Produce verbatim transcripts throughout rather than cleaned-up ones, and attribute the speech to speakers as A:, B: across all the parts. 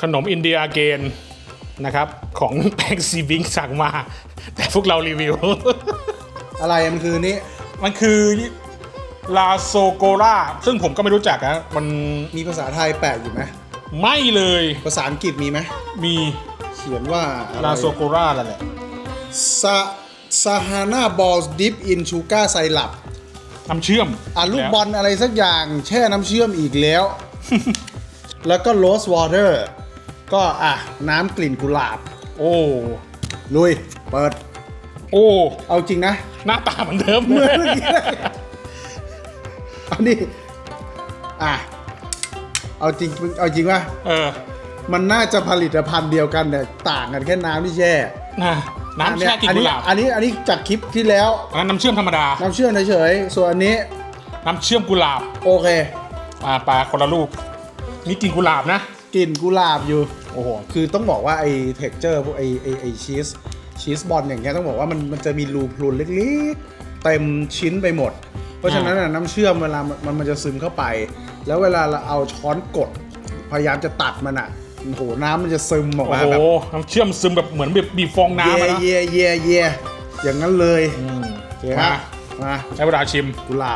A: ขนมอินเดียเกนนะครับของแป้งซีบิงสั่งมาแต่พวกเรารีวิว
B: อะไรมันคือนี้
A: มันคือลาโซโกราซึ่งผมก็ไม่รู้จักนะมัน
B: มีภาษาไทยแปะอยู่ไหม
A: ไม่เลย
B: ภาษาอังกฤษมีไหม
A: มี
B: เขียนว่าอะไร
A: ลาโซโกรานั่นแหละ
B: ซาซาฮาน่าบอลดิฟอินชูการ์ไซรัป
A: น้ำเชื่อม
B: อ่ะลูกบอลอะไรสักอย่างแช่น้ำเชื่อมอีกแล้ว แล้วก็โรสวอเตอร์ก็อ่ะน้ำกลิ่นกุหลาบ
A: โอ้
B: ลุย เปิด
A: โอ้
B: เอาจริงนะ
A: หน้าตาเหมือนเดิม
B: เหมือนเมื่อกี้เลยเอานี่อ่ะเอาจริงเอาจริงว่า
A: เออ
B: มันน่าจะผลิตภัณฑ์เดียวกันแต่ต่างกันแค่น้ำที่แช่
A: นะน้ำแช่กลิน
B: อัน
A: กุ
B: นี้
A: หลาบ
B: อันนี้อันนี้จากคลิปที่แล้ว
A: อันนั้นน้ำเชื่อมธรรมดา
B: น้ำเชื่อมเฉยๆส่วนอันนี้
A: น้ำเชื่อมกุหลาบ
B: โอเค
A: อ่าปลาคนละลูกนี่กลินกุหลาบนะ
B: กลิ่นกุหลาบอยู่
A: โอ้โห
B: คือต้องบอกว่าไอ้เท็กเจอร์พวกไอ้ไอ้ไอ้ชีสชีสบอลอย่างเงี้ยต้องบอกว่ามันมันจะมีรูพรุนเล็กๆเต็มชิ้นไปหมด เพราะฉะนั้นน่ะน้ำเชื่อมเวลามันมันจะซึมเข้าไป แล้วเวลาเราเอาช้อนกด พยายามจะตัดมันอ่ะโอ้โหน้ำมันจะซึมออก
A: โอ้
B: มา
A: โห
B: แบบ
A: น้ำเชื่อมซึมแบบเหมือนแบบบีบฟอง
B: เย่
A: น้ำอะนะ
B: เย่เย่เย่อย่างนั้นเลย
A: อืม
B: โอเคฮะมา
A: ใช้เวลาชิม
B: กุหลาบ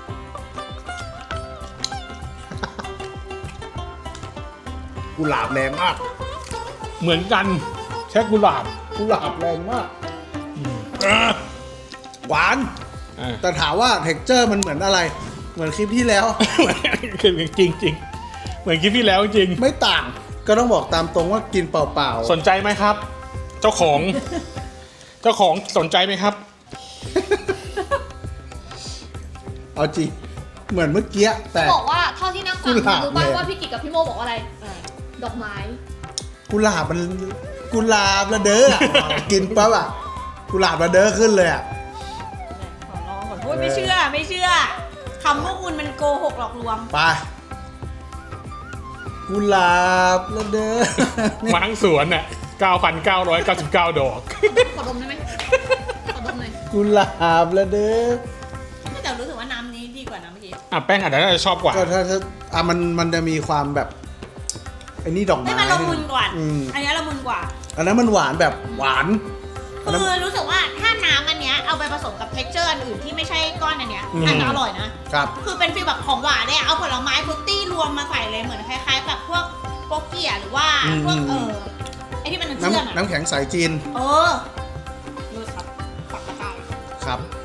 B: กุหลาบแรงมาก
A: เหมือนกันแค่กุหลาบ
B: กุหลาบแรงมาก
A: อ่า
B: หวาน
A: อ่า
B: แต่ถามว่าเท็กเจอร์มันเหมือนอะไร เหมือนคลิปที่แล้ว
A: คือจริงจริงๆเหมือนคลิปที่แล้วจริง
B: ไม่ต่าง ก็ต้องบอกตามตรงว่ากินเปล่า
A: สนใจไหมครับ เจ้าของ เจ้าของสนใจไหมครับ
B: ๆ เอาจริง เหมือนเมื่อกี้แต่
C: บอกว่าเท่าที่นั่งฟัง
B: กุหลาบ
C: รู้บ้าง
B: เลย
C: ว่าพี่กิจกับพี่โมบอกว่าอะไร ดอกไม้
B: กุหลาบมันกุหลาบระเด้ออะ กินปั๊บอ่ะกุหลาบระเด้อขึ้นเลยอ่ะ
D: ขอลองก่อนพูดไม่เชื่อไม่เชื่อคำพวกคุณมันโกหกหลอกลวง
B: ไปกุหลาบระเด้อ
A: มาทั้งสวนน่ะเก้าพันเก้าร้อยเก้าสิบเก้า ดอก
C: ขอดมได้ไหมขอดมหน่อย
B: กุหลาบระเด้อ
D: แต่รู้สึกว่าน้ำนี้ดีกว่าน้ำเมื่อกี้
A: อ่ะแป้งอาจจะน่าจะชอบกว่า
B: ก็ถ้าถ้าอ่ะมันมันจะมีความแบบไอ้นี่ดอกไม้
D: ให้มันละมุนกว่า
B: อืม
D: อันนี้ละมุนกว่า
B: อันนั้นมันหวานแบบหวานอันนั้น
D: คือรู้สึกว่าถ้าน้ำอันเนี้ยเอาไปผสมกับเท็กเจอร์อันอื่นที่ไม่ใช่ก้อนอันเนี้ยอาจจะอร่อยนะ
B: ครับ
D: คือเป็นฟีลแบบของหวานเนี่ยเอาผลไม้ฟรุตตี้รวมมาใส่เลยเหมือนคล้ายๆแบบพวกโปเกียหรือว่าพวกเออไอที่มันน้ำเชื่อม
B: น้ำ
D: อะ
B: น้ำแข็งใสจีน
D: เออรู้ครับปักตะกร้า
B: ครับ